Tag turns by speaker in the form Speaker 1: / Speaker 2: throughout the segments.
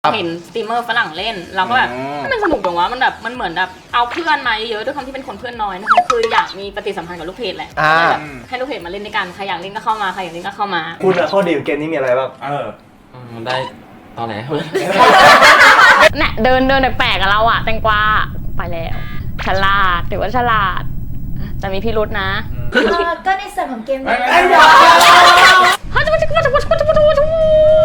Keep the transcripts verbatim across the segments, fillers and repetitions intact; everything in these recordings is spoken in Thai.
Speaker 1: เห็นสตรีมเมอร์ฝรั่งเล่นเราก็แบบมันสนุกตรงว่ามันแบบมันเหมือนแบบเอาเพื่อนมาเยอะด้วยความที่เป็นคนเพื่อนน้อยนะคะคืออยากมีปฏิสัมพันธ์กับลูกเพจแหละแบบให้ลูกเพจมาเล่นด้วยกันใครอยากเล่นก็เข้ามาใครอยากเล่นก็เข้ามา
Speaker 2: คุณอะข้อดีของเกมนี้มีอะไรบ้าง
Speaker 3: เออได้ตอนไหน
Speaker 1: เนี่ยเดินเดินแปลกๆกับเราอะแตงกวาไปแล้วฉลาดถือว่าฉลาดแต่มีพิรุธนะ
Speaker 4: ก็ในส่วนของเกมนี้
Speaker 1: ฮัจจะมาจะมาจะมาจะมาจะมาจะมา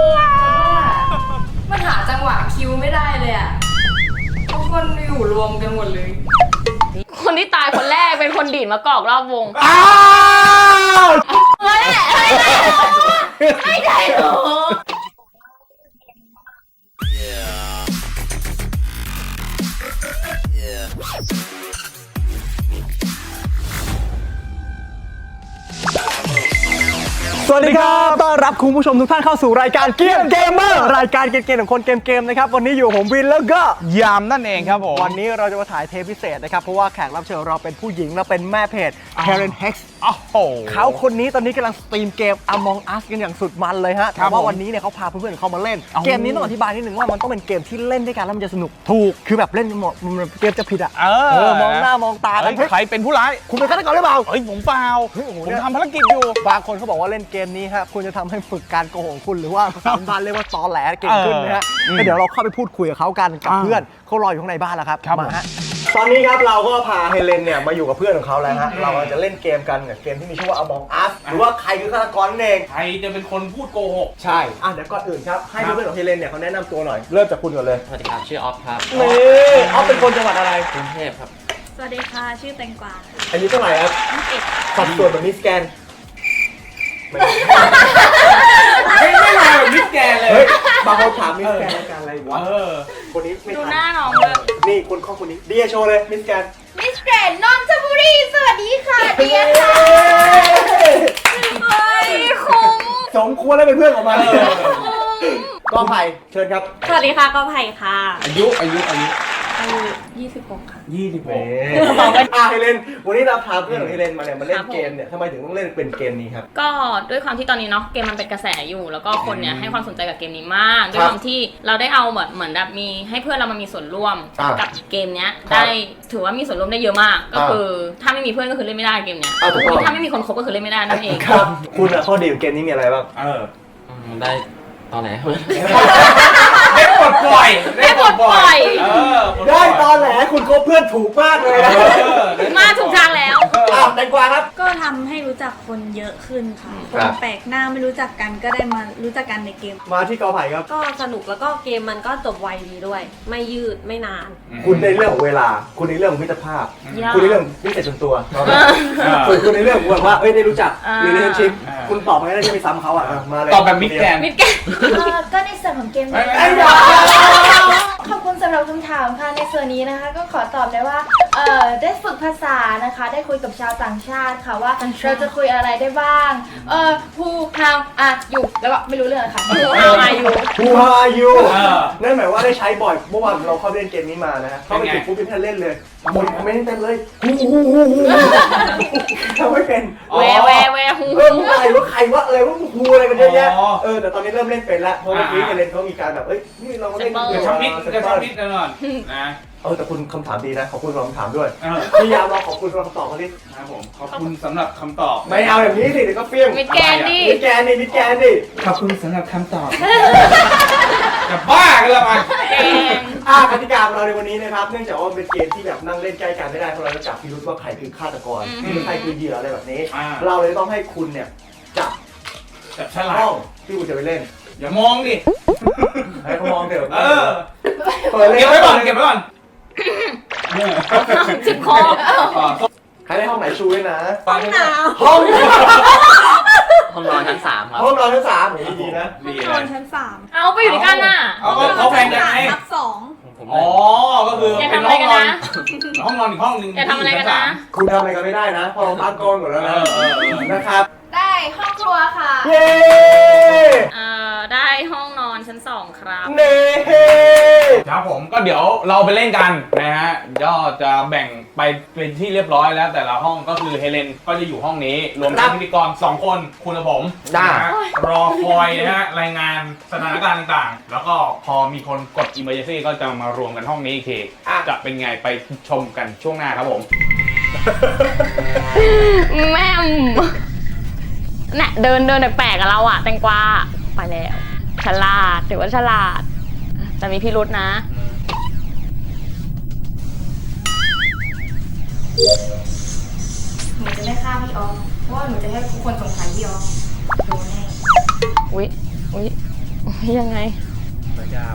Speaker 4: มันหาจังหวะคิวไม่ได้เลยอ่ะทุกคนอยู่รวมกันหมดเลย
Speaker 1: คนที่ตายคนแรกเป็นคนดีดมะกอกรอบวง
Speaker 2: อ้าว
Speaker 1: เฮ้ยไม่ใช่หรอ
Speaker 2: สวัสดีครับต้อนรับคุณผู้ชมทุกท่านเข้าสู่รายการเกมเกมเมอร์รายการเกมๆของคนเกมๆนะครับวันนี้อยู่ผมวินแล้วก็
Speaker 3: ยามนั่นเองครับผม
Speaker 2: วันนี้เราจะมาถ่ายเทปพิเศษนะครับเพราะว่าแขกรับเชิญเราเป็นผู้หญิงและเป็นแม่เพจ Karen Hex
Speaker 3: โอ้โห
Speaker 2: เขาคนนี้ตอนนี้กำลังสตรีมเกม Among Us กันอย่างสุดมันเลยฮะแต่ว่าวันนี้เนี่ยเขาพาเพื่อนๆเขามาเล่นเกมนี้ต้องอธิบายนิดนึงว่ามันต้องเป็นเกมที่เล่นด้วยกันแล้วมันจะสนุกถูกคือแบบเล่นหมดเกมจะผิดอ่ะเออมองหน้ามองตากัน
Speaker 3: ใครเป็นผู้ร้าย
Speaker 2: คุณเป็นฆาตกรหรือเปล่า
Speaker 3: เฮ้ยผมเปล่าผมทำภารกิจอยู่
Speaker 2: บางคนเขาบอกว่าเล่นเกมนี้ฮะคุณจะทำให้ฝึกการโกหกคุณหรือว่าภาษาบ้านเรียกว่าตอแหลเก่งขึ้นนะฮะเดี๋ยวเราเข้าไปพูดคุยกับเขากันกับเพื่อนเขารออยู่ข้างในบ้านแล้วครับมาฮะตอนนี้ครับเราก็พาเฮเลนเนี่ยมาอยู่กับเพื่อนของเขาแล้วฮะเราจะเล่นเกมกันกับเกมที่มีชื่อว่า Among Us หรือว่าใครคือฆาตกรนั่นเอง
Speaker 3: ใครจะเป็นคนพูดโกหก
Speaker 2: ใช่อ่ะเดี๋ยวก่อนอื่นครับให้เพื่อนของเฮเลนเนี่ยเขาแนะนำตัวหน่อยเริ่มจากคุณก่อนเลย
Speaker 3: สวัสดีครับชื่อออฟครับ
Speaker 2: นี่ออฟเป็นคนจังหวัดอะไร
Speaker 3: กรุงเทพครับ
Speaker 4: สวัสดีค่ะชื่อแตงกวา
Speaker 2: อายุเท่าไหร่ครับสัดส่วนแบบมิสแกน
Speaker 3: ไม่ไม่มาแบบมิสแกนเลย
Speaker 2: บางคนถามมิสแกนรายการอะไรวะคนนี้ไม่ทัน
Speaker 1: ดูหน้าน้องเลย
Speaker 2: นี่คนข้อคนนี้เดียโชว์เลยมิสแกน
Speaker 4: มิสแกรนนนทบุรีสวัสดีค่ะเดียค่ะ
Speaker 1: เฮ้ยคุ้ม
Speaker 2: สมควรแล้วเป็นเพื่อนออกมาเลยก็ไผ่เชิญครับ
Speaker 1: สวัสดีค่ะก็ไผ่ค่ะ
Speaker 3: อายุอายุอายุ
Speaker 4: อายุยี่สิบหกค่ะ
Speaker 3: ยี่สิบหก
Speaker 2: อ่ะเฮเลนวันนี้เราพาเพื่อนของเฮเลนมาเนี่ยมาเล่นเกมเนี่ยทำไมถึงต้องเล่นเป็นเกมนี้ครับ
Speaker 1: ก็ด้วยความที่ตอนนี้เนาะเกมมันเป็นกระแสอยู่แล้วก็คนเนี่ยให้ความสนใจกับเกมนี้มากด้วยความที่เราได้เอาแบบเหมือนแบบมีให้เพื่อนเรามามีส่วนร่วมกับเกมเนี้ยได้ถือว่ามีส่วนร่วมได้เยอะมากก็คือถ้าไม่มีเพื่อนก็คือเล่นไม่ได้เกมเนี้ยถ้าไม่มีคนคบก็คือเล่นไม่ได้นั่นเอง
Speaker 2: ครับคุณอะข้อดีของเกมนี้มีอะไรบ้าง
Speaker 3: เออได้ตอนไหนได้ปลดปล่อย
Speaker 1: ได้ปลดปล่อย
Speaker 2: ได้ตอนแหลคุณคบเพื่อนถูกมากเลยนะ
Speaker 1: มาถูกทางแล้ว
Speaker 2: อ้าวแตงกวาครับ
Speaker 4: ก็ทำให้รู้จักคนเยอะขึ้นค่ะคนแปลกหน้าไม่รู้จักกันก็ได้มารู้จักกันในเกม
Speaker 2: มาที่กอไผ่ครับ
Speaker 5: ก็สนุกแล้วก็เกมมันก็จบไวดีด้วยไม่ยืดไม่นาน
Speaker 2: คุณในเรื่องของเวลาคุณในเรื่องของมิตรภาพคุณในเรื่องมิตรส่วนตัวคุณในเรื่องแบบว่าเอ้ยได้รู้จักรีเลชั่นชิพคุณตอบมาได้ที่ไม่ซ้ำเขาอ่ะมาเลย
Speaker 3: ตอบแบบมิดแกน
Speaker 1: มิดแกน
Speaker 4: ก็ในส่วนของเกมนี้ขอบคุณสำหรับคำถามค่ะในส่วนนี้นะคะก็ขอตอบได้ว่าเอ่อได้ฝึกภาษานะคะได้คุยกับชาวต่างชาติค่ะว่าเราจะคุยอะไรได้บ้างเอ่อ who how are you แล้วก็ไม่รู้เรื่องค่ะ who how are you
Speaker 2: who are you นั่นหมายว่าได้ใช้บ่อยเมื่อวานเราเข้าเล่นเกมนี้มานะฮะเข้าไปถึงปุ๊บพี่แพนเล่นเลยหมดไม่ได้เต็มเลยฮูฮูฮูฮูทำไม่เป็น
Speaker 1: แวแวแวฮู
Speaker 2: เอออะไรว่าใครว่าอะไรว่าฮูอะไรกันเยอะแยะเออแต่ตอนนี้เริ่มเล่นเป็นแล้วเพราะเมื่อกี้เล่นเขามีการแบบเอ้ยนี่เราเล่น
Speaker 3: เดี๋ยวทำมิดเดี๋ยวทำมิดแน่นอนนะ
Speaker 2: เออแต่คุณคำถามดีนะขอบคุณสำหรับคำถามด้วยพยายามรอขอบคุณสำหรับคำตอบเขาดิ
Speaker 3: ครับผมขอบคุณสำหรับคำตอบ
Speaker 2: ไม่เอาอย่างนี้สิเดี๋ยวก็เฟี้ยง
Speaker 1: มิดแกนดิ
Speaker 2: มิดแกนดิมิดแกนดิ
Speaker 3: ขอบคุณสำหรับคำตอบจะบ้ากันละมัน
Speaker 2: อ่ากติกาของเราในวันนี้นะครับเนื่องจากว่าเป็นเกมที่แบบนั่งเล่นใกล้กันไม่ได้เพราะเราจะจับพิรุธว่าใครคือฆาตกรใครคือเหยื่ออะไรแบบนี้เราเลยต้องให้คุณเนี่ยจับ
Speaker 3: จับฉลาก
Speaker 2: ห้องที่คุณจะไปเล่น
Speaker 3: อย่ามองดิ
Speaker 2: ให้เขามองเดี๋ยว
Speaker 3: เออเก็บไว้ก่อนเก็บไว้ก่อน
Speaker 1: จิบคอ
Speaker 2: ใครได้ห้องไหนชูด้วยนะ
Speaker 4: ห้องน้
Speaker 2: ำห้อง
Speaker 3: ห้องนอนชั้นสามครับ
Speaker 2: ห้องนอนชั้นสามดีนะ
Speaker 4: ห้องนอนชั้นสาม
Speaker 1: เอาไปอยู่ด้วยกันน่ะ
Speaker 3: เอาเขาแฟนกันไง
Speaker 4: ทับสอง
Speaker 3: อ๋อก็คือ
Speaker 1: เป็นห้องนอน
Speaker 3: ห้องนอนอีกห้องนึง
Speaker 1: อย่าทำอะไรกันนะ
Speaker 2: คุณทำอะไรกันไม่ได้นะพอเราตั้งกล้องหมดแล้วนะนะครับ
Speaker 4: ได้ห้องครัวค่ะ
Speaker 2: เย้
Speaker 1: เอ่อได้ห้องนอนชั้นสองครับ
Speaker 2: เน่
Speaker 6: ครับผมก็เดี๋ยวเราไปเล่นกันนะฮะก็จะแบ่งไปเป็นที่เรียบร้อยแล้วแต่ละห้องก็คือเฮเลนก็จะอยู่ห้องนี้รวมทั้งพิธีกรสองคนคุณกับผมนะฮะรอคอยนะฮะรายงานสถานการณ์ต่างๆแล้วก็พอมีคนกด emergency ก็จะมารวมกันห้องนี้อีกทีจะเป็นไงไปชมกันช่วงหน้าครับผม
Speaker 1: แม่มเนี่ยเดินเดินแปลกๆกับเราอะแตงกวาไปแล้วฉลาดถือว่าฉลาดแต่มีพิรุธนะ
Speaker 4: หนูจะไม่ฆ่าพี่ออมเพราะว่าหนูจะให้ทุกคนสงสัยพี่ออมโดนแน่
Speaker 1: อุ๊ยอุ๊ยอุ๊ยยังไง
Speaker 6: นะครับ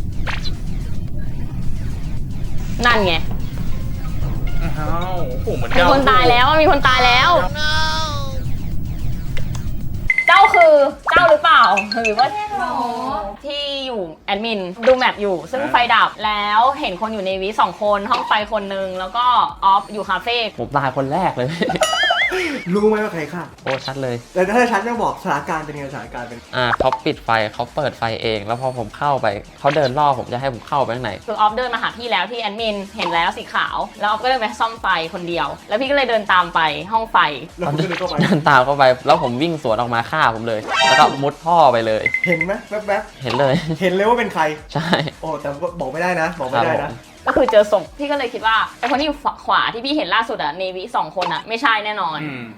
Speaker 1: นั่นไง
Speaker 6: อ้าวโอ้โหเหมือน
Speaker 1: มี
Speaker 6: เจ้า
Speaker 1: คนตายแล้วมีคนตายแล้ว เจ้าคือเจ้าหรือเปล่าหรือว่าที่อยู่แอดมินดูแมปอยู่ซึ่งไฟดับแล้วเห็นคนอยู่ในวิสองคนห้องไฟคนนึงแล้วก็ออฟอยู่คาเฟ่
Speaker 3: ผมตายคนแรกเลย
Speaker 2: รู้ไหมว่าใครฆ่า
Speaker 3: โอ้ชัดเลย
Speaker 2: แต่ถ้าฉันจะบอกสถานการณ์เป็นยังไงสถานการณ์เป็น
Speaker 3: อ่าเขาปิดไฟเขาเปิดไฟเอง แล้วพอผมเข้าไปเขาเดินล่อผมจะให้ผมเข้าไปข้างใน
Speaker 1: คือออฟเดินมาหาพี่แล้วที่แอดมินเห็นแล้วสีขาวแล้วออฟก็เลยไปซ่อมไฟคนเดียว แล้วพี่ก็เลยเดินตามไปห้องไฟ
Speaker 2: แล้วคุณก็เลยเข้าไป
Speaker 3: เดินตามเข้าไป แล้วผมวิ่งสวนออกมาฆ่าผมเลย แล้วก็มุดท่อไปเลย
Speaker 2: เห็นไหมแวบ
Speaker 3: เห็นเลย
Speaker 2: ๆเห็นเลยว่าเป็นใคร
Speaker 3: ใช่
Speaker 2: โอ้แต่บอกไม่ได้นะ บอกไม่ได้นะ
Speaker 1: ก็คือเจอศพพี่ก็เลยคิดว่าไอคนที่อยู่ขวาที่พี่เห็นล่าสุดอะเนวิสองคนอะไม่ใช่แน่นอน
Speaker 6: อืม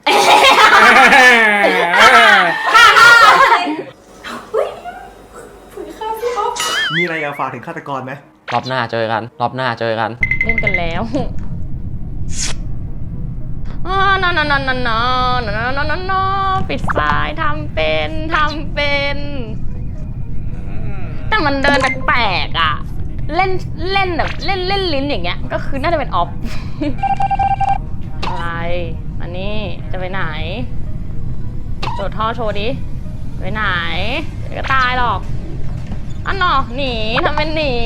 Speaker 2: มีอะไรอยากฝากถึงฆาตกรไหม
Speaker 3: รอบหน้าเจอกัน รอบหน้าเจอกัน
Speaker 1: เล่นกันแล้วอ๋อนอนนอนนอนนอนนอนนอนนอนนอนปิดไฟทำเป็นทำเป็น แต่มันเดินแปลกๆอ่ะ เล่นเล่นแบบเล่นเล่นลิ้นอย่างเงี้ย ก็คือน่าจะเป็นออฟ อะไร อันนี้จะไปไหนโดดท่อโชว์ดิ ไปไหนเดี๋ยวก็ตายหรอก อันนอหนีทำเป็นหนี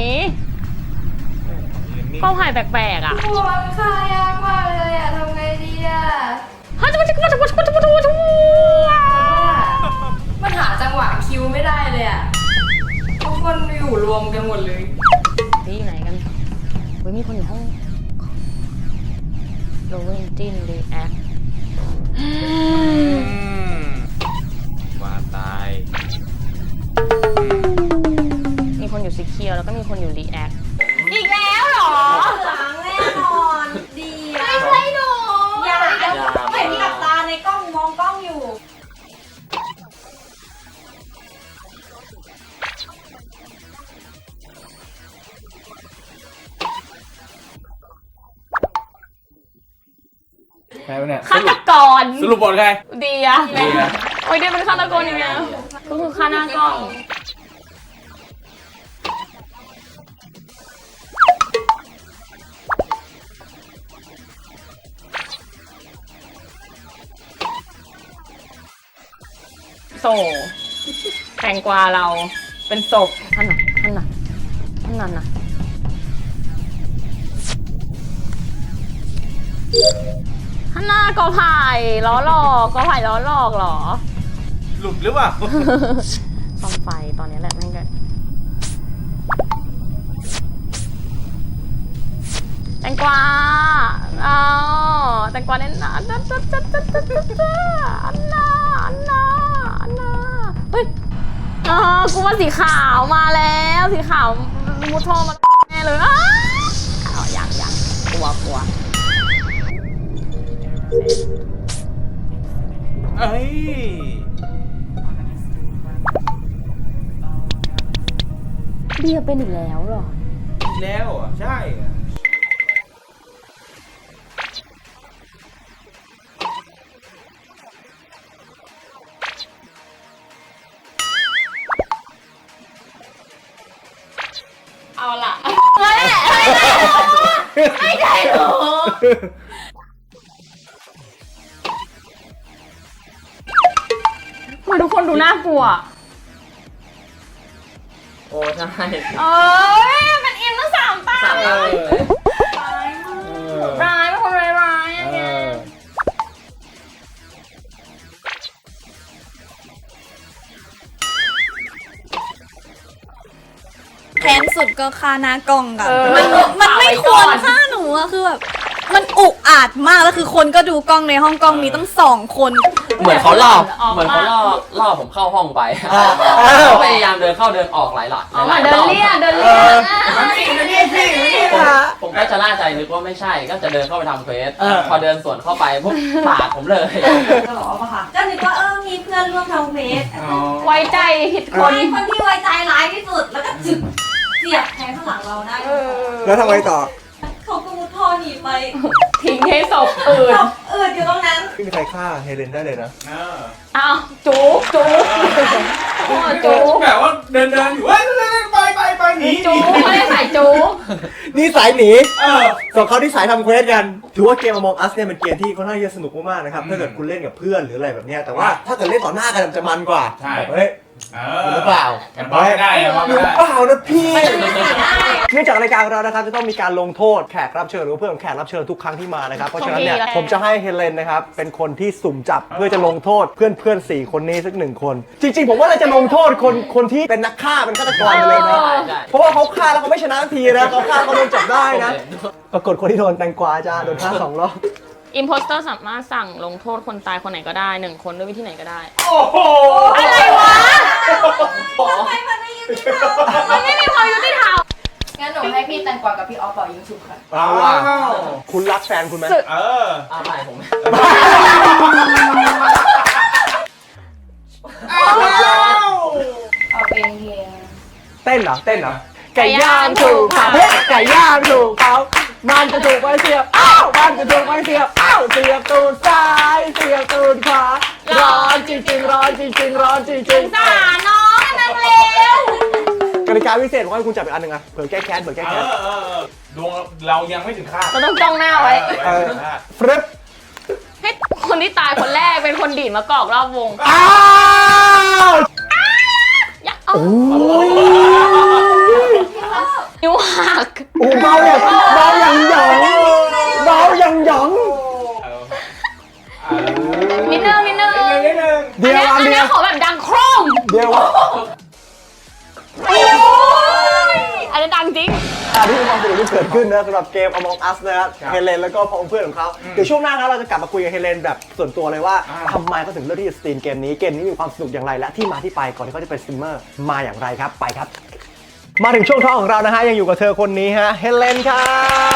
Speaker 1: เข้าหายแปลกๆอ่ะ
Speaker 4: โอ้ยฆ่ายากมากเลยอะทำไงดีอะ
Speaker 1: ฮัจจุบัจจุบัจจุบัจจุบัจจุบัจจุบัจจุ
Speaker 4: มันหาจังหวะคิวไม่ได้เลยอะทุกคนอยู่รวมกันหมดเลย
Speaker 1: ที่ไหนกันเฮ้ยมีคนอยู่ห้องโรเวนจินรีแอค
Speaker 6: ว่าตาย
Speaker 1: มีคนอยู่ซีเคียวแล้วก็มีคนอยู่รีแอคอีกแล้วเหรอ
Speaker 5: หลังแน่นอนดีอะ
Speaker 4: ไม่ใช่หนู
Speaker 5: อย่าเห็นกับตาในกล้องมองกล้องอยู่
Speaker 6: ใครวะเนี่ย
Speaker 1: ฆาตกร
Speaker 6: สรุปบทใคร
Speaker 1: เดีย
Speaker 6: เดีย
Speaker 1: โอ้ยเดียเป็นฆาตกรยังไงก็คือฆ่าหน้ากล้องโซแตงกวาเราเป็นศพท่านน่ะท่านน่ะท่านนั้นน่ะท่านหน้ากอไผ่ล้อหลอกกอไผ่ล้อหลอกเหรอ
Speaker 6: หลุดหรือเปล่า
Speaker 1: ซ่อมไฟตอนนี้แหละแม่งก็แตงกวาอ๋อแตงกวาเล่นนะอันน่าอันน่าอันน่าอันน่าเฮ้ยอ๋อกูว่าสีขาวมาแล้วสีขาวมุดท่อมาแน่เลยอ้าวยังยังกลัวกลัว
Speaker 6: เอ้ย
Speaker 1: เบียร์เป็นอีกแล้วเหรอ
Speaker 6: แล้วอ่ะ ใช่อ่ะ
Speaker 1: เอาล่ะไม่ใช่ไม่ใช่หรอมาทุกคนดูน่ากลัว
Speaker 3: โอ้ใช่
Speaker 1: เอ้ยเป็นอิมตั้งสามตาเลยร้ายเป็นคนร้ายร้ายอย่างเงี้ย
Speaker 7: แค้นสุดก็ค่าหน้ากล้องกัน
Speaker 1: เออ
Speaker 7: มันมันไม่
Speaker 1: เอาไว้
Speaker 7: ค
Speaker 1: ก่
Speaker 7: ว
Speaker 1: อ
Speaker 7: ร
Speaker 1: น
Speaker 7: ค่าหนูอะคือแบบมันอุกอาจมากแล้วคือคนก็ดูกล้องในห้องกล้องมีตั้งสองคน
Speaker 3: เหมือนเขาล่อ
Speaker 1: ออก
Speaker 3: เหมือนเขาล่อล่อผมเข้าห้องไป
Speaker 2: อ่า
Speaker 3: เขาพยายามเดินเข้าเดินออกหลายหลัก
Speaker 1: อ๋อ
Speaker 3: หลาย
Speaker 1: เดิ
Speaker 3: ร
Speaker 1: น
Speaker 3: อบ
Speaker 1: เลี่ยเดินเลี่ย
Speaker 6: มันนี่มันนี่พี่มันนี่
Speaker 3: ผมผมก็จะล่าใจนึกว่าไม่ใช่ ก็จะเดินเข้าไปทำเควสพอเดินสวนเข้าไปพวกปาดผมเลย
Speaker 5: ก็บอกว่าค่ะก็นึกว่าเออมีเพื่อนร่วมทำเควส
Speaker 1: ไว้ใจผิดค
Speaker 5: คน นคนที่ไว้ใจร้ายที่สุดแล้วก็จึกเสียบแทงข้างหลังเราได้
Speaker 2: แล้วทำไงต่อ
Speaker 5: เขาก็มุดท่อหนีไป
Speaker 1: ทิ้งให้ศพอื่น
Speaker 5: ตบอืดอยู่ตรงนั้น
Speaker 2: ไม่มีใครฆ่าเฮเลนได้เลยนะ
Speaker 1: อ้าวจู๊จู๊โอ้จู๊
Speaker 6: แบบว่าเดินเดินอยู่เฮ้ยไปไปไปหนี
Speaker 1: จู๊ไม่ได้ใส่จู๊
Speaker 2: นี่สายหนี
Speaker 6: เออ
Speaker 2: ส่วนเขาที่สายทำเควสกัน ถือว่าเกม Among Us เนี่ยเป็นเกมที่ค่อนข้างจะสนุกมากๆนะครับ ถ้าเกิดคุณเล่นกับเพื่อนหรืออะไรแบบเนี้ยแต่ว่าถ้าเกิดเล่นต่อหน้ากันมันจะมันกว่า
Speaker 6: ใช่
Speaker 2: แบบเฮ้ย
Speaker 6: เอ
Speaker 2: หรือเปล่า
Speaker 6: มันบล็อกไม่ได้มันบล็อก
Speaker 2: ห
Speaker 6: ไม่
Speaker 2: รือ
Speaker 6: ได้
Speaker 2: เปล่านะพี่เนื่องจากรายการของเรานะครับจะต้องมีการลงโทษแขกรับเชิญหรือว่าเพื่อนของแขกรับเชิญทุกครั้งที่มานะครับเพราะฉะนั้นเนี่ยผมจะให้เฮเลนนะครับเป็นคนที่สุ่มจับเพื่อจะลงโทษเพื่อนเพื่อนๆสี่คนนี้สักหนึ่งคน จริงๆ ผมว่าเราจะลงโทษคนคนที่เป็นนักฆ่าเป็นฆาตกรไปเลยนะ เพราะว่าเขาฆ่าแล้วเขาไม่ชนะทันทีนะเขาฆ่าเขาโดนจับได้นะ ปรากฏคนที่โดนแตงกวาจ้าโดนฆ่าสองรอบ
Speaker 1: อิมโพสเตอร์สามารถสั่งลงโทษคนตายคนไหนก็ได้หนึ่งคนด้วยวิธีไหนก็ได้
Speaker 6: โอ้โห
Speaker 1: อะไรวะ
Speaker 5: ทำไมมันไม่ยุติธรรม
Speaker 1: มันไม่มีความยุติธรรม
Speaker 4: งั้นหนูให้พี่แตงกวากับพี่ออฟเป่ายิงฉุบค่ะ
Speaker 2: เอาว่ะคุณรักแฟนคุณไหม
Speaker 6: เออ
Speaker 3: อ้าวไม่ผม
Speaker 4: เอาเพลงเพลง
Speaker 2: เต้นเหรอเต้นเหรอไก่ย่างถูกเผาไก่ย่างถูกเผามันจะถูกไปเสียบอ้าวมันจะถูกไปเสียบอ้าวเสียบตูดซ้ายเสียบตูดขวาร้อนจริงๆร้อนจริงๆร้อนจริงๆ
Speaker 1: สารน้องนั่นเร็ว
Speaker 2: กติกาพิเศษผมให้คุณจับอีกอันหนึ่งอะเผื่อแก้แค้นเผื่อแก้
Speaker 6: เอ
Speaker 2: แค้น
Speaker 6: อเออดวงเรายังไม่ถึงคาด
Speaker 1: เราต้องจ้องหน้าไว้
Speaker 2: เออฟรึบ
Speaker 1: ให้คนที่ตายคนแรกเป็นคนดีดมะกอกรอบวง
Speaker 2: อ้าว
Speaker 1: อย่าเอา
Speaker 2: โอ้ย
Speaker 1: นิ้วหัก
Speaker 2: โอ้เบาอย่างเบาอย่างหยองเบาอย่างหยอง
Speaker 1: นิดนึงนิดนึง
Speaker 6: นิดนึง
Speaker 1: อัน
Speaker 2: เดียว
Speaker 1: เนี้ย
Speaker 2: อั
Speaker 1: อั
Speaker 2: น
Speaker 1: น
Speaker 2: เดี
Speaker 1: เนี้
Speaker 2: ย
Speaker 1: ยว ขอแบบดังโครม
Speaker 2: เดียว
Speaker 1: อันนี้ดังจริง
Speaker 2: อันนี้เป็นความสนุกที่เกิดขึ้นนะสำหรับเกม Among Us นะครับเฮเลนแล้วก็พองเพื่อนของเขาเดี๋ยวช่วงหน้าครับเราจะกลับมาคุยกับเฮเลนแบบส่วนตัวเลยว่าทำไมเขาถึงเลือกที่จะสตรีมเกมนี้เกมนี้มีความสนุกอย่างไรและที่มาที่ไปก่อนที่เขาจะเป็นสตรีมเมอร์มาอย่างไรครับไปครับ มาถึงช่วงท้องของเรานะฮะยังอยู่กับเธอคนนี้ฮะเฮเลนครับ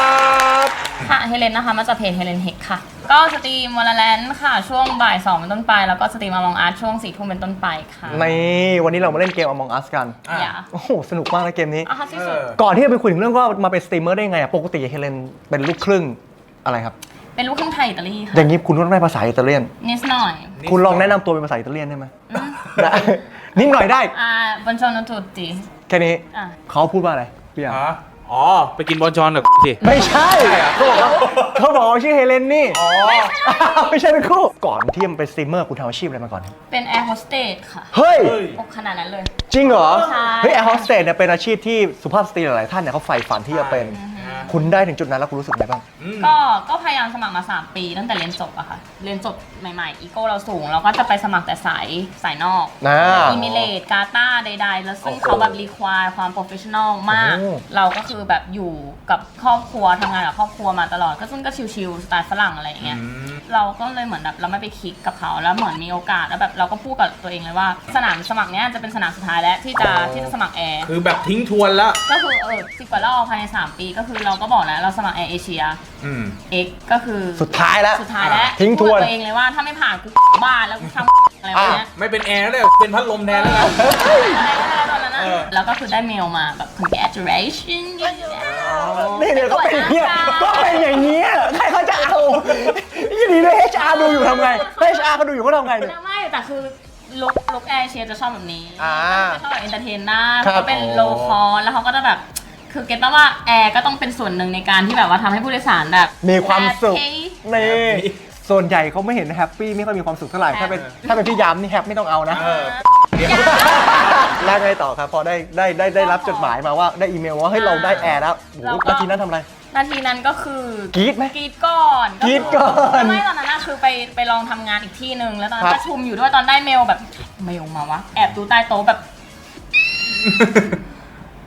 Speaker 1: ค่ะเฮเลนนะคะมาจากเพจเฮเลนเฮกค่ะ ก็สตรีมวอลเลนค่ะช่วงบ่ายสองเป็นต้นไป แล้วก็สตรีมอมองอาร์ตช่วงสี่ทุ่มเป็นต้นไปค่ะ
Speaker 2: นี่วันนี้เรามาเล่นเกม Among Us กัน
Speaker 1: อย่า
Speaker 2: โอ้โหสนุกมากนะเกมนี้
Speaker 1: อ่ะค่ะที่สุด
Speaker 2: ก่อนที่จะไปคุยถึงเรื่องว่ามาเป็นสตรีมเมอร์ได้ไงอะปกติเฮเลนเป็นลูกครึ่งอะไรครับ
Speaker 1: เป็นลูกครึ่งไทยอิตาลีค่ะ
Speaker 2: อย่างนี้คุณต้องได้ภาษาอิตาเลียน
Speaker 1: นิดหน่อย
Speaker 2: คุณลองแนะนำตัวเป็นภาษาอิตาเลียนได้ไหมได้นิดหน่อยได้
Speaker 1: อ่าบันชอนตุติ
Speaker 2: แค่นี้
Speaker 1: อ่ะ
Speaker 2: เขาพูดว่าอะไรพี่อ่ะ
Speaker 6: อ๋อ ไปกินบอลชอนกับสิ
Speaker 2: ไม่ใช่เขาบอกว่าเขาบอกว่าชื่อเฮเลนนี่อ๋อไม่ใช่เป็นคู่ก่อนที่จะเป็นสตรีมเมอร์คุณทำอาชีพอะไรมาก่อน
Speaker 1: เป็นแอร์โฮสเตสค่ะ
Speaker 2: เฮ้ย
Speaker 1: โอ้ขนาดนั้นเลย
Speaker 2: จริงเหรอ
Speaker 1: ใช่
Speaker 2: เฮ้ยแอร์โฮสเตสเนี่ยเป็นอาชีพที่สุภาพสตรีหลายๆท่านเนี่ยเขาใฝ่ฝันที่จะเป็นคุณได้ถึงจุดนั้นแล้วคุณรู้สึกไงบ้าง
Speaker 1: ก็ก็พยายามสมัครมาสามปีตั้งแต่เรียนจบอะค่ะ เรียนจบใหม่ๆ อีโก้เราสูง เราก็จะไปสมัครแต่สายสายนอก
Speaker 2: นะ
Speaker 1: อิมิเลตกาตาใดๆ แล้วซึ่งเขาแบบรีควายความโปรเฟชชั่นอลมาก
Speaker 2: โอ้
Speaker 1: เราก็คือแบบอยู่กับครอบครัวทำงานกับครอบครัวมาตลอด ก็ซึ่งก็ชิลๆสไตล์ฝรั่งอะไรอย่างเงี้ย เราก็เลยเหมือนแบบเราไม่ไปคลิกกับเขาแล้วเหมือนมีโอกาสแล้วแบบเราก็พูดกับตัวเองเลยว่าสนามสมัครเนี้ยจะเป็นสนามสุดท้ายแล้วที่จะที่จะสมัครแอร์
Speaker 6: คือแบบทิ้งทวนแล้ว
Speaker 1: ก็คือเออสิบกว่ารอบภายในสามปีก็คือเราก็บอกแล้วเราสมัครแอร์เอเชีย
Speaker 6: อืม
Speaker 1: X ก็คือ
Speaker 2: สุดท้ายแล้ว
Speaker 1: สุดท้ายแล้ว
Speaker 2: ทิ้งทวน
Speaker 1: พูดกับตัวเองเลยว่าถ้าไม่ผ่านกูบ้านแล้วกูทำอะไรวะเนี้ย
Speaker 6: ไม่เป็นแอร์แล้วเลยเป็นพัดลมแทนแล้วกัน
Speaker 1: อะไรก็ได้ตอนนั้นนะ
Speaker 6: เออ
Speaker 1: แล้วก็คือได้เมลมาแบบ congratulation
Speaker 2: นี่เนี่ยก็เป็นอย่างเงี้ยก็เป็นอย่างเงี้ยใครเขาจะเอายี่ดีเลย เอช อาร์ ดูอยู่ทำไง เอช อาร์ เขาดูอยู่เขาทำไงเนี่ย
Speaker 1: ไม่แต่คือลุกลุกแอร์เชียจะชอบแบบนี้
Speaker 2: อ่า
Speaker 1: จะชอบแบบเอนเตอร์เทนได้
Speaker 2: ครับ
Speaker 1: เขาเป็นโลคอแล้วเขาก็จะแบบคือเก็ตป่ะว่าแอร์ก็ต้องเป็นส่วนหนึ่งในการที่แบบว่าทำให้ผู้โดยสารแบบ
Speaker 2: มีความสุข
Speaker 1: แฮปปี้
Speaker 2: นี่ส่วนใหญ่เขาไม่เห็นแฮปปี้ไม่ค่อยมีความสุขเท่าไหร่ถ้าเป็นถ้าเป็นพี่ยามนี่แฮปไม่ต้องเอานะ
Speaker 6: เออเดี๋ยว
Speaker 2: แล้วไงต่อครับพอได้ได้ได้ได้รับจดหมายมาว่าได้อีเมลว่าเฮ้ยเราได้แอร์แล้วโอ้โหนาทีนั้นทำอะไร
Speaker 1: นาทีนั้นก็คือก
Speaker 2: รี๊ดไหม
Speaker 1: กรีดก่อน
Speaker 2: กรี๊ดก่อน
Speaker 1: ไม่ตอนนั้นน่ะคือไปไปลองทำงานอีกที่หนึ่งแล้วตอนนั้
Speaker 2: ครั
Speaker 1: น
Speaker 2: บ
Speaker 1: ประชุมอยู่ด้วยตอนได้เมลแบบเมลมาวะแอบดูใต้โต๊ะแบบ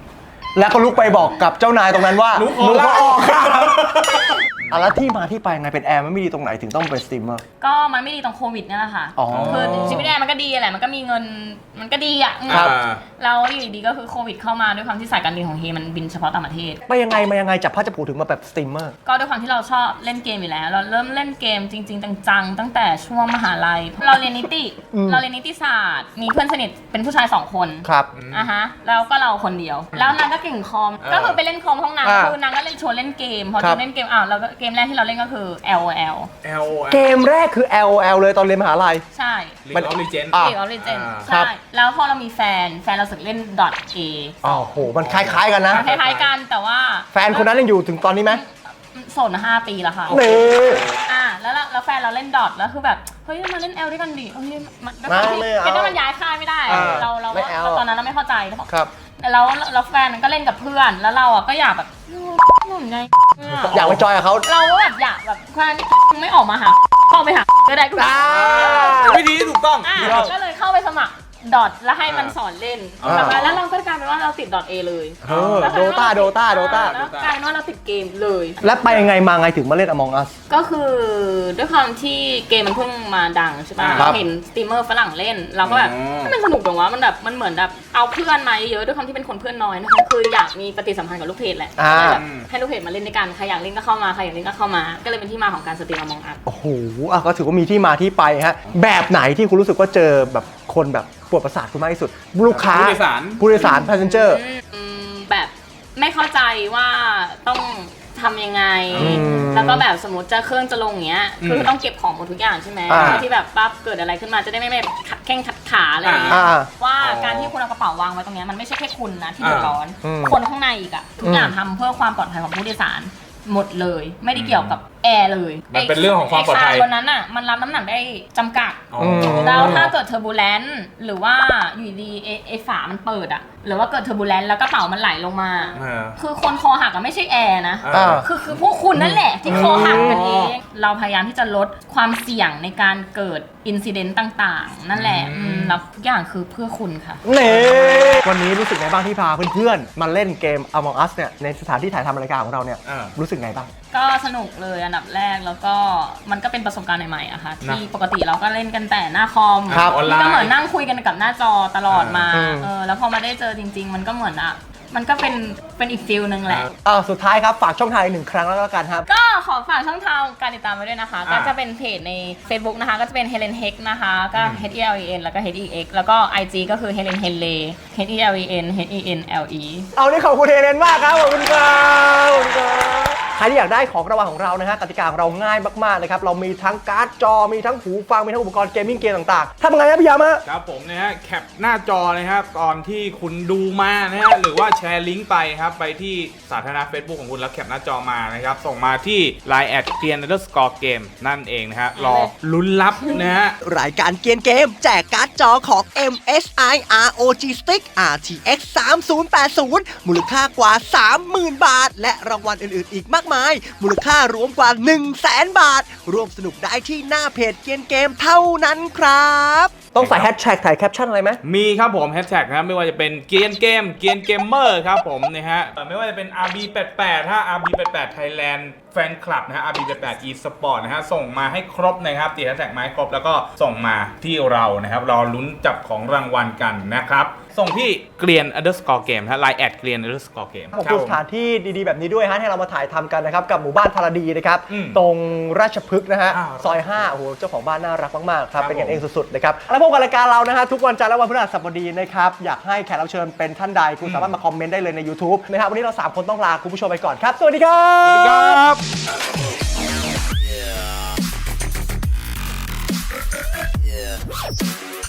Speaker 2: แล้วก็ลุกไปบอกกับเจ้านายตรงนั้นว่า
Speaker 6: ลุกออก
Speaker 2: ลุก
Speaker 6: แล้ว
Speaker 2: ออกครับอ่ะแล้วที่มาที่ไปไงเป็นแอร์มันไม่ดีตรงไหนถึงต้องเป็นสตรีมเมอร์
Speaker 1: ก็มันไม่ดีตรงโควิดเนี่ยแหละค่ะ
Speaker 2: อ๋อ
Speaker 1: คือชีวิตแอร์มันก็ดีแหละมันก็มีเงินมันก็ดีอ่ะ
Speaker 2: ครับ
Speaker 1: เราอยู่ดีๆก็คือโควิดเข้ามาด้วยความที่สายการบินของเฮมันบินเฉพาะต่างประเทศ
Speaker 2: ไปยังไงมายังไงจับพลัดจับผลูถึงมาแบบสตรีมเมอร์
Speaker 1: ก็ด้วยความที่เราชอบเล่นเกมอยู่แล้ว เราเริ่มเล่นเกมจริง ๆ จังๆตั้งแต่ช่วงมหาลัยเราเรียนนิติ
Speaker 2: อืม
Speaker 1: เราเรียนนิติศาสตร์ มีเพื่อนสนิทเป็นผู้ชายสองคน
Speaker 2: ครับ
Speaker 1: อ่ะฮะแล้วก็เราคนเดียว แล้วนางก็เก่งคอม
Speaker 6: เออ
Speaker 1: ก็คือไปเล่นคอมห้องนาง
Speaker 2: อ่า
Speaker 1: คือนางก็เล่นชวนเล่นเกมพอ
Speaker 2: ครั
Speaker 1: ช
Speaker 2: บ
Speaker 1: วนเล่นเกมอ้าวเราก็เกมแรกที่เราเล่นก็คือ แอล โอ แอล
Speaker 6: แอล
Speaker 2: เกมแรกคือ แอล โอ แอล เลยตอนเรียนมหาลัย
Speaker 1: ใช่
Speaker 6: ลีกออฟลีเจน
Speaker 2: อ่ะ
Speaker 1: เกมออฟเลเจน
Speaker 6: อ่า
Speaker 2: ครั
Speaker 1: ใช่
Speaker 2: บ
Speaker 1: แล้วพอเรามีแฟนแฟนเราสึกเล่น .a
Speaker 2: อ้าวโหมันคล้ายๆกันนะ
Speaker 1: คล้ายๆกันแต่ว่า
Speaker 2: แฟนคนนั้นยังอยู่ถึงตอนนี้ไหม
Speaker 1: โสดมาห้าปีแล้วค่ะ
Speaker 2: นี่
Speaker 1: อ่ะแล้วเราแล้วแฟนเราเล่นดอทแล้วคือแบบเฮ้ยมาเล่นแอลด้วยกันดิเฮ้ยมันด้วยความที่
Speaker 2: ไม่เอา
Speaker 1: เป็นว่ามันย้ายค่ายไม่ได้
Speaker 2: อ่า
Speaker 1: เราเรา
Speaker 2: ไม่เอา
Speaker 1: เราตอนนั้นเราไม่เข้าใจแล้วบอก
Speaker 2: ครับ
Speaker 1: แล้วแล้วแฟนก็เล่นกับเพื่อนแล้วเราอ่ะก็อยากแบบหนุ่มไง
Speaker 2: อยากไปจอยกับเขา
Speaker 1: เราก็แบบอยากแบบแฟนไม่ออกมาหาเข้าไปหาก็ได้กู
Speaker 2: อ่า
Speaker 6: วิธีที่ถูกต้อง
Speaker 1: อ่ะก็เลยเข้าไปสมัครดอทแล้วให้มันสอนเล่น
Speaker 6: อ่า
Speaker 1: แล้วเราก็กลายเป็นว่าเราติดดอทเอเลย
Speaker 2: เออโดตาโดตาโดตา
Speaker 1: แล้วกลายเป็นว่าเราติดเกมเลย
Speaker 2: แล้วไปยังไงมาไงถึงมาเล่น Among Us
Speaker 1: ก็คือด้วยความที่เกมมันเพิ่งมาดังใช่ป่ะ
Speaker 2: ครับ
Speaker 1: เห็นสตรีมเมอร์ฝรั่งเล่น เราก็แบบ
Speaker 6: อ๋อ
Speaker 1: มันสนุกจังวะมันแบบมันเหมือนแบบเอาเพื่อนมาเยอะๆด้วยความที่เป็นคนเพื่อนน้อยนะคะคืออยากมีปฏิสัมพันธ์กับลูกเพจแหละ
Speaker 2: อ่า
Speaker 1: ก็เลยแบบให้ลูกเพจมาเล่นด้วยกันใครอยากเล่นก็เข้ามาใครอยากเล่นก็เข้ามาก็เลยเป็นที่มาของการสตรีม Among Us
Speaker 2: โอ้โหอ่ะก็ถือว่ามีที่มาที่ไปฮะ แบบไหนที่คุณรู้สึกว่าเจอแบบคนแบบปวดประสาทคุณมากที่สุด ลูกค้า
Speaker 6: ผู้โดยสาร
Speaker 2: ผู้โดยสาร passenger
Speaker 1: อืมแบบไม่เข้าใจว่าต้องทำยังไง
Speaker 2: อืม
Speaker 1: แล้วก็แบบสมมติจะเครื่องจะลงเงี้ย คือต้องเก็บของหมดทุกอย่างใช่ไหม
Speaker 2: อ่า
Speaker 1: เพื่อที่แบบปั๊บเกิดอะไรขึ้นมาจะได้ไม่ไม่ขัดแข้งขัดขาอะไรอย่างเงี้ย
Speaker 2: อ่า
Speaker 1: ว่า
Speaker 6: อ๋อ
Speaker 1: การที่คุณเอากระเป๋าวางไว้ตรงเนี้ยมันไม่ใช่แค่คุณนะที่เดือดร้อน
Speaker 2: อืม
Speaker 1: คนข้างในอีกอะทุกอย่างทำเพื่อความปลอดภัยของผู้โดยสารหมดเลย ไม่ได้เกี่ยวกับแอร์เลย
Speaker 6: มันเป็นเรื่องของความปลอดภัย
Speaker 1: ไคบนนั้นอะมันรับน้ำหนักได้จำกัด
Speaker 6: อ๋อ
Speaker 1: แล้วถ้าเกิดเทอร์บูเลนซ์หรือว่าอยู่ดีๆไอ้ไอฝามันเปิดอะหรือว่าเกิดเทอร์บูเลนซ์แล้วกระเป๋ามันไหลลงมา
Speaker 6: เออ
Speaker 1: คือคนคอหักอะไม่ใช่แอร์นะ
Speaker 6: เออ
Speaker 1: คือคือพวกคุณนั่นแหละที่คอหักกันเอง เราพยายามที่จะลดความเสี่ยงในการเกิดอินซิเดนต์ต่างๆ นั่นแหละอืมแล้วทุกอย่างคือเพื่อคุณค่ะ
Speaker 2: เน่วันนี้รู้สึกไงบ้างที่พาเพื่อนๆ มาเล่นเกม Among Us เนี่ยในสถานที่ถ่ายทำรายการของเราเนี่ย
Speaker 6: อ่า
Speaker 2: รู้สึกไงบ้าง
Speaker 1: ก็สนุกเลยอันดับแรกแล้วก็มันก็เป็นประสบการณ์ใหม่ๆอะค่ะ
Speaker 6: นะ
Speaker 1: ที่ปกติเราก็เล่นกันแต่หน้าคอม
Speaker 2: ครับ
Speaker 6: ออนไลน์
Speaker 1: ก็เหมือนนั่งคุยกันกับหน้าจอตลอดมา
Speaker 2: อืม
Speaker 1: เออแล้วพอมาได้เจอจริง ๆ มันก็เหมือนอะมันก็เป็นเป็นอีกฟิลนึงแหละ
Speaker 2: อ่าสุดท้ายครับ ฝากช่องทางอีกหนึ่งครั้งแล้วกันครับ
Speaker 1: ก็ขอฝากช่องทางการติดตามไว้ด้วยนะคะ
Speaker 6: อ่า
Speaker 1: ก็จะเป็นเพจใน Facebook นะคะ ก็จะเป็น Helen Heck นะคะ ก็ H E L E N แล้วก็ H E X แล้วก็ ไอ จี ก็คือ Helen Henle H E L E N H E N L E
Speaker 2: เอานี่ขอบคุณเฮเลนมากครับ ขอบคุณครับขอบคุณครับใครที่อยากได้ของรางวัลของเรานะฮะกติกาของเราง่ายมากๆเลยครับ เรามีทั้งการ์ดจอ มีทั้งหูฟัง มีทั้งอุปกรณ์เกมมิ่งเกมต่างๆทำยังไงครับพี่ยามะ
Speaker 6: ครับผมนะฮะแคปหน้าจอนะครับตอนที่คุณดูมานะฮะหรือว่าแชร์ลิงก์ไปครับไปที่สาธารณะ Facebook ของคุณแล้วแคปหน้าจอมานะครับส่งมาที่ ไลน์ แอท เกรียน อันเดอร์สกอร์ เกม นั่นเองนะฮะรอลุ้นรับนะฮะ
Speaker 8: รายการเกียนเกมแจกการ์ดจอของ เอ็ม เอส ไอ อาร์ โอ จี Stick อาร์ ที เอ็กซ์ สามศูนย์แปดศูนย์ มูลค่ากว่า สามหมื่น บาท และรางวัลอื่นๆ อีกมากมาย มูลค่ารวมกว่า หนึ่งแสน บาท ร่วมสนุกได้ที่หน้าเพจเกียนเกมเท่านั้นครับ
Speaker 2: ต้องใส่แฮชแท็กถ่ายแคปชั่นอะไรไหม
Speaker 6: มีครับผมแฮชแท็กนะครับไม่ว่าจะเป็นเกียนเกมเกียนเกมเมอร์ครับผมนะฮะไม่ว่าจะเป็น อาร์ บี แปดแปด ถ้า อาร์ บี แปดแปด Thailand แฟนคลับนะฮะ อาร์ บี แปดแปด eSport นะฮะส่งมาให้ครบนะครับติดแฮชแท็กมาให้ครบแล้วก็ส่งมาที่เรานะครับรอลุ้นจับของรางวัลกันนะครับส่งที่เกรียน underscore game นะฮะ ไลน์ แอท เกรียน underscore game
Speaker 2: ขอบคุณสถานที่ดีๆ แบบนี้ด้วยฮะให้เรามาถ่ายทำกันนะครับ กับหมู่บ้านธารดีนะครับ
Speaker 6: อืม
Speaker 2: ตรงราชพฤกษ์นะฮะ
Speaker 6: อ้าว
Speaker 2: ซอยห้าโอ้โหเจ้าของบ้านน่ารักมากๆครับ
Speaker 6: ครับ
Speaker 2: เป็นกัน
Speaker 6: ผม
Speaker 2: เองสุดๆนะครับแล้วพบกับรายการเรานะฮะทุกวันจันทร์และวันพฤหัสบดีนะครับอยากให้แขกรับเชิญเป็นท่านใดคุณสามารถมาคอมเมนต์ได้เลยใน YouTube นะครับวันนี้เราสามคนต้องลาคุณผู้ชมไปก่อนครับสวัสดีครับ
Speaker 6: สวัสดีครับ
Speaker 8: Yeah.